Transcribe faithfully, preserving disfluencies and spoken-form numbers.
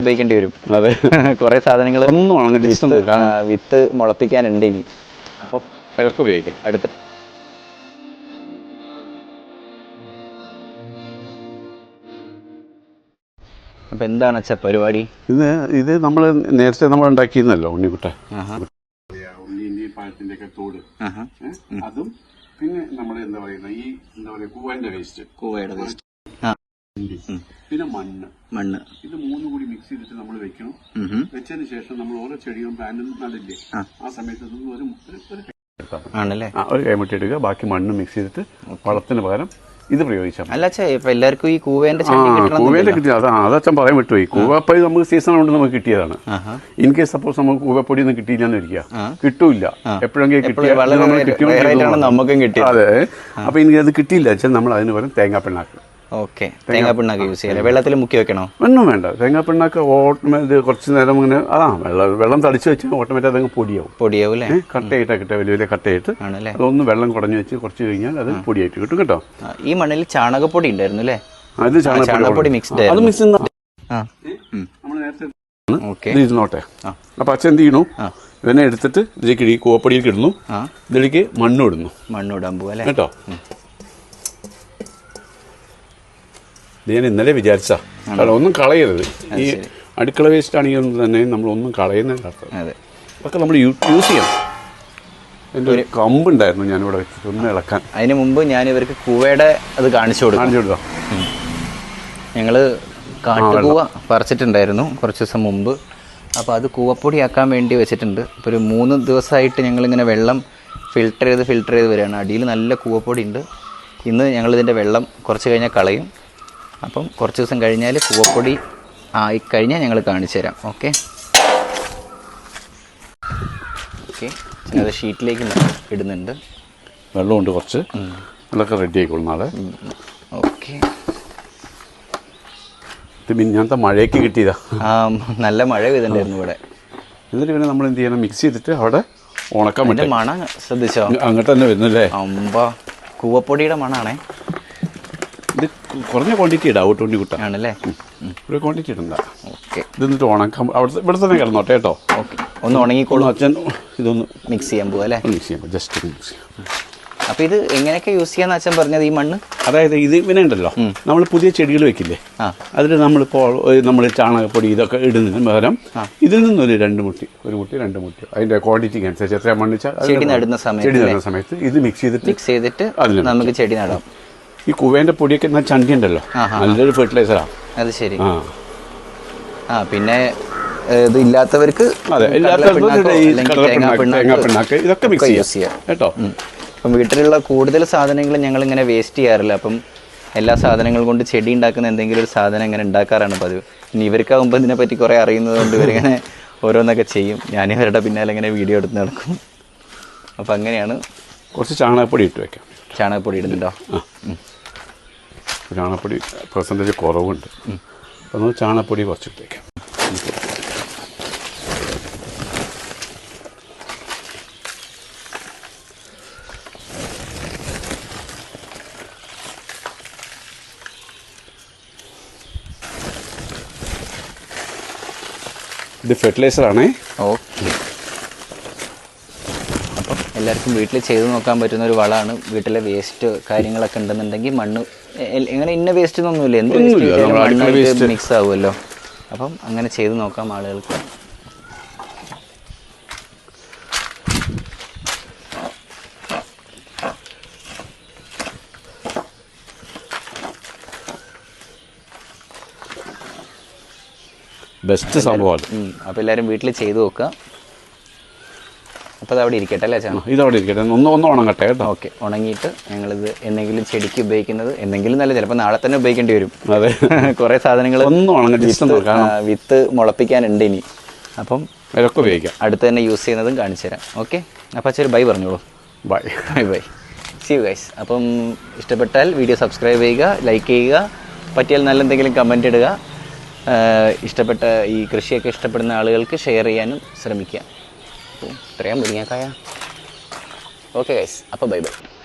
ഉപയോഗിക്കേണ്ടി വരും. അതെ, കുറെ സാധനങ്ങൾ ഒന്നും അങ്ങനെ വിത്ത് മുളപ്പിക്കാനുണ്ട് ഇനി. അപ്പോൾ അതൊക്കെ ഉപയോഗിക്കാം. അടുത്ത അപ്പം എന്താണ് അച്ഛാ പരിപാടി? ഇത് ഇത് നമ്മൾ നേരത്തെ നമ്മൾ ഉണ്ടാക്കിയിരുന്നല്ലോ ഉണ്ണിക്കുട്ട, ഉണ്ണി പഴത്തിൻ്റെ ഒക്കെ തോട്, അതും പിന്നെ നമ്മൾ എന്താ പറയുന്ന ഈ എന്താ പറയുക കൂവന്റെ വേസ്റ്റ്, കൂവയുടെ വേസ്റ്റ്, പിന്നെ മണ്ണ് മണ്ണ് ഇത് മൂന്നും കൂടി മിക്സ് ചെയ്തിട്ട് നമ്മൾ വെക്കണം. വെച്ചതിന് ശേഷം നമ്മൾ ഓരോ ചെടിയും പ്ലാന്റും നടില്ലേ, ആ സമയത്ത് ഒരു ആണല്ലേ ഒരു കൈമുട്ടി എടുക്കുക, ബാക്കി മണ്ണ് മിക്സ് ചെയ്തിട്ട് വളത്തിന് പകരം ഇത് പ്രയോഗിച്ചാൽ. അല്ല അച്ഛാ, ഇപ്പൊ എല്ലാവർക്കും ഈ കൂവേന്റെ കൂവേന്റെ കിട്ടിയ അതാ അതച്ഛൻ പറയാൻ വിട്ടുപോയി. കൂവപ്പൊടി നമുക്ക് സീസൺ കൊണ്ട് നമുക്ക് കിട്ടിയതാണ്. ഇൻ കേസ് സപ്പോസ് നമുക്ക് കൂവപ്പൊടി ഒന്നും കിട്ടിയില്ലെന്ന് ഇരിക്കുക, കിട്ടൂല, എപ്പോഴെങ്കിലും കിട്ടിയ നമുക്കും കിട്ടി. അതെ, അപ്പൊ ഇനി അത് കിട്ടിയില്ല വെച്ചാൽ നമ്മൾ അതിന് പകരം തേങ്ങാ പിണ്ണാക്ക്. ഓക്കെ, തേങ്ങാ പിണ്ണാക്ക് യൂസ് ചെയ്യാം. വെള്ളത്തിൽ മുക്കി വെക്കണോ? ഒന്നും വേണ്ട. തേങ്ങാ പിണ്ണാക്ക് ഓട്ടോമാറ്റ് കുറച്ച് നേരം ഇങ്ങനെ അതാ വെള്ളം വെള്ളം തളിച്ച് വെച്ചാൽ ഓട്ടോമാറ്റിക് അതങ്ങ് പൊടിയാവും. പൊടിയാവും അല്ലേ? കട്ടയിട്ടാ കിട്ടുക, വലിയ വലിയ കട്ടയിട്ട് അതൊന്ന് വെള്ളം കുടഞ്ഞു വെച്ച് കുറച്ച് കഴിഞ്ഞാൽ അത് പൊടിയായിട്ട് കിട്ടും കേട്ടോ. ഈ മണ്ണിൽ ചാണകപ്പൊടി ഉണ്ടായിരുന്നു അല്ലേ? അത് ചാണകപ്പൊടി മിക്സ്ഡ് അത് മിക്സ് ഇരുന്നോട്ടെ. അപ്പൊ അച്ഛൻ എന്ത് ചെയ്യണു, ഇവനെ എടുത്തിട്ട് ഇതിലേക്ക് ഈ കൂവപ്പൊടിയിലേക്ക് ഇടുന്നു, ഇതിലേക്ക് മണ്ണും ഇടുന്നു. മണ്ണിടാൻ പോവല്ലേ കേട്ടോ. ഇത് ഞാൻ ഇന്നലെ വിചാരിച്ചാ ഒന്നും കളയരുത്. ഈ അടുക്കള വേസ്റ്റ് ആണെങ്കിൽ തന്നെ നമ്മളൊന്നും കളയുന്നതിൻ്റെ അർത്ഥം അതൊക്കെ നമ്മൾ യൂസ് ചെയ്യണം. എൻ്റെ ഒരു കമ്പുണ്ടായിരുന്നു ഞാനിവിടെ വെച്ചിട്ട് ഒന്ന് ഇളക്കാൻ. അതിന് മുമ്പ് ഞാൻ ഇവർക്ക് കൂവയുടെ അത് കാണിച്ചു കൊടുക്കും. കാണിച്ചു കൊടുക്കാം. ഞങ്ങൾ കാട്ടുകൂവ പറിച്ചിട്ടുണ്ടായിരുന്നു കുറച്ച് ദിവസം മുമ്പ്. അപ്പോൾ അത് കൂവപ്പൊടിയാക്കാൻ വേണ്ടി വെച്ചിട്ടുണ്ട്. ഇപ്പോൾ ഒരു മൂന്ന് ദിവസമായിട്ട് ഞങ്ങളിങ്ങനെ വെള്ളം ഫിൽട്ടർ ചെയ്ത് ഫിൽട്ടർ ചെയ്ത് വരികയാണ്. അടിയിൽ നല്ല കൂവപ്പൊടി ഉണ്ട്. ഇന്ന് ഞങ്ങളിതിൻ്റെ വെള്ളം കുറച്ച് കഴിഞ്ഞാൽ കളയും. അപ്പം കുറച്ച് ദിവസം കഴിഞ്ഞാൽ കൂവപ്പൊടി ആയി കഴിഞ്ഞാൽ ഞങ്ങൾ കാണിച്ചു തരാം. ഓക്കെ ഓക്കെ അത് ഷീറ്റിലേക്ക് ഇടുന്നുണ്ട്. വെള്ളമുണ്ട് കുറച്ച്, വെള്ളമൊക്കെ റെഡി ആയിക്കോളും നാളെ. ഓക്കെ, ഇത് മിനിഞ്ഞാന്നത്തെ മഴയ്ക്ക് കിട്ടിയതാ. ആ, നല്ല മഴ പെയ്തിട്ടുണ്ടായിരുന്നു ഇവിടെ. എന്നിട്ട് പിന്നെ നമ്മൾ എന്ത് ചെയ്യണം, മിക്സ് ചെയ്തിട്ട് അവിടെ ഉണക്കാൻ പറ്റും. മണം ശ്രദ്ധിച്ചോ? അങ്ങോട്ട് തന്നെ വരുന്നല്ലേ? അമ്പ കൂവപ്പൊടിയുടെ മണാണേ. ഇത് കുറഞ്ഞ ക്വാണ്ടിറ്റി ഇടാം ഔട്ട് ഉണ്ണി കുട്ട ആണല്ലേ? ഒരു ക്വാണ്ടിറ്റി ഇടണ്ട. ഓക്കെ, ഇത് എന്നിട്ട് ഉണക്കാം. അവിടെ ഇവിടെ തന്നെ കിടന്നോട്ടെ കേട്ടോ. ഓക്കെ, ഒന്ന് ഉണങ്ങിക്കോളും. അച്ഛൻ ഇതൊന്ന് മിക്സ് ചെയ്യാൻ പോവാ അല്ലേ? മിക്സ് ചെയ്യാം, ജസ്റ്റ് മിക്സ് ചെയ്യാം. അപ്പോൾ ഇത് എങ്ങനെയൊക്കെ യൂസ് ചെയ്യാന്ന് അച്ഛൻ പറഞ്ഞത്? ഈ മണ്ണ് അതായത് ഇത് ഇവനെ ഉണ്ടല്ലോ, നമ്മൾ പുതിയ ചെടികൾ വെക്കില്ലേ, അതിൽ നമ്മളിപ്പോൾ നമ്മൾ ചാണകപ്പൊടി ഇതൊക്കെ ഇടുന്നതിന് പകരം ഇതിൽ നിന്നൊരു രണ്ട് മുട്ടി ഒരു മുട്ടി രണ്ട് മുട്ടി അതിൻ്റെ ക്വാണ്ടിറ്റിക്ക് അനുസരിച്ച് എത്ര മണ്ണിച്ചാൽ ചെടി നടുന്ന സമയത്ത് ചെടി നടുന്ന സമയത്ത് ഇത് മിക്സ് ചെയ്തിട്ട് മിക്സ് ചെയ്തിട്ട് നമുക്ക് ചെടി നടാം. ഈ കുവേൻ്റെ പൊടിയൊക്കെ എന്നാൽ ചണ്ടി ഉണ്ടല്ലോ, നല്ലൊരു ഫെർട്ടിലൈസറാണ്. അത് ശരി. ആ, പിന്നെ ഇത് ഇല്ലാത്തവർക്ക് അതെ തേങ്ങാപ്പിണ്ണാക്ക് ഇതൊക്കെ മിക്സ് ചെയ്യാം കേട്ടോ. അപ്പം വീട്ടിലുള്ള കൂടുതൽ സാധനങ്ങൾ ഞങ്ങളിങ്ങനെ വേസ്റ്റ് ചെയ്യാറില്ല. അപ്പം എല്ലാ സാധനങ്ങൾ കൊണ്ട് ചെടി ഉണ്ടാക്കുന്ന എന്തെങ്കിലും ഒരു സാധനം ഇങ്ങനെ ഉണ്ടാക്കാറാണ് പതിവ്. ഇനി ഇവർക്കാകുമ്പോൾ ഇതിനെപ്പറ്റി കുറേ അറിയുന്നത് കൊണ്ട് ഇവരിങ്ങനെ ഓരോന്നൊക്കെ ചെയ്യും. ഞാനിവരുടെ പിന്നാലെ ഇങ്ങനെ വീഡിയോ എടുത്ത് നടക്കും. അപ്പം അങ്ങനെയാണ്. കുറച്ച് ചാണകപ്പൊടി ഇട്ട് വയ്ക്കാം. ചാണകപ്പൊടി ഇടുന്നുണ്ടോ? ആ, ചാണകപ്പൊടി പെർസെൻറ്റേജ് കുറവുണ്ട്. അപ്പോൾ നമ്മൾ ചാണകപ്പൊടി കുറച്ചിട്ട് വയ്ക്കാം. ഇത് ഫെർട്ടിലൈസറാണേ. ഓക്കെ, അപ്പം എല്ലാവർക്കും വീട്ടിൽ ചെയ്ത് നോക്കാൻ പറ്റുന്ന ഒരു വളമാണ്. വീട്ടിലെ വേസ്റ്റ് കാര്യങ്ങളൊക്കെ ഉണ്ടെന്നുണ്ടെങ്കിൽ മണ്ണ് ഇങ്ങനെ ഇന്ന വേസ്റ്റ് ഒന്നുമില്ല, എന്ത് വേസ്റ്റ് മിക്സ് ആവുമല്ലോ. അപ്പം അങ്ങനെ ചെയ്ത് നോക്കാം ആളുകൾക്ക്. ബെസ്റ്റ് സംഭവമാണ്. അപ്പോൾ എല്ലാവരും വീട്ടിൽ ചെയ്ത് നോക്കുക. അപ്പോൾ അത് അവിടെ ഇരിക്കട്ടെ അല്ലേ ചേട്ടാ? ഇതവിടെ ഇരിക്കട്ടെ, ഒന്ന് ഒന്ന് ഉണങ്ങട്ടെ കേട്ടോ. ഓക്കെ, ഉണങ്ങിയിട്ട് ഞങ്ങളിത് എന്തെങ്കിലും ചെടിക്ക് ഉപയോഗിക്കുന്നത് എന്തെങ്കിലും നല്ല ചിലപ്പോൾ നാളെ തന്നെ ഉപയോഗിക്കേണ്ടി വരും. അതെ, കുറേ സാധനങ്ങൾ ഒന്ന് ഉണങ്ങി വിത്ത് മുളപ്പിക്കാനുണ്ട് ഇനി. അപ്പം അതൊക്കെ ഉപയോഗിക്കാം. അടുത്ത് തന്നെ യൂസ് ചെയ്യുന്നതും കാണിച്ചു തരാം. ഓക്കെ, അപ്പോൾ അച്ഛൻ ബൈ പറഞ്ഞോളൂ. Bye bye bye see you guys. അപ്പം ഇഷ്ടപ്പെട്ടാൽ വീഡിയോ സബ്സ്ക്രൈബ് ചെയ്യുക, ലൈക്ക് ചെയ്യുക, പറ്റിയാൽ നല്ല എന്തെങ്കിലും കമൻറ്റ് ഇടുക. ഇഷ്ടപ്പെട്ട ഈ കൃഷിയൊക്കെ ഇഷ്ടപ്പെടുന്ന ആളുകൾക്ക് ഷെയർ ചെയ്യാനും ശ്രമിക്കുക. ഇത്രയും മുരിങ്ങക്കായ. ഓക്കെ ഗൈസ്, അപ്പോൾ ബൈ ബൈ.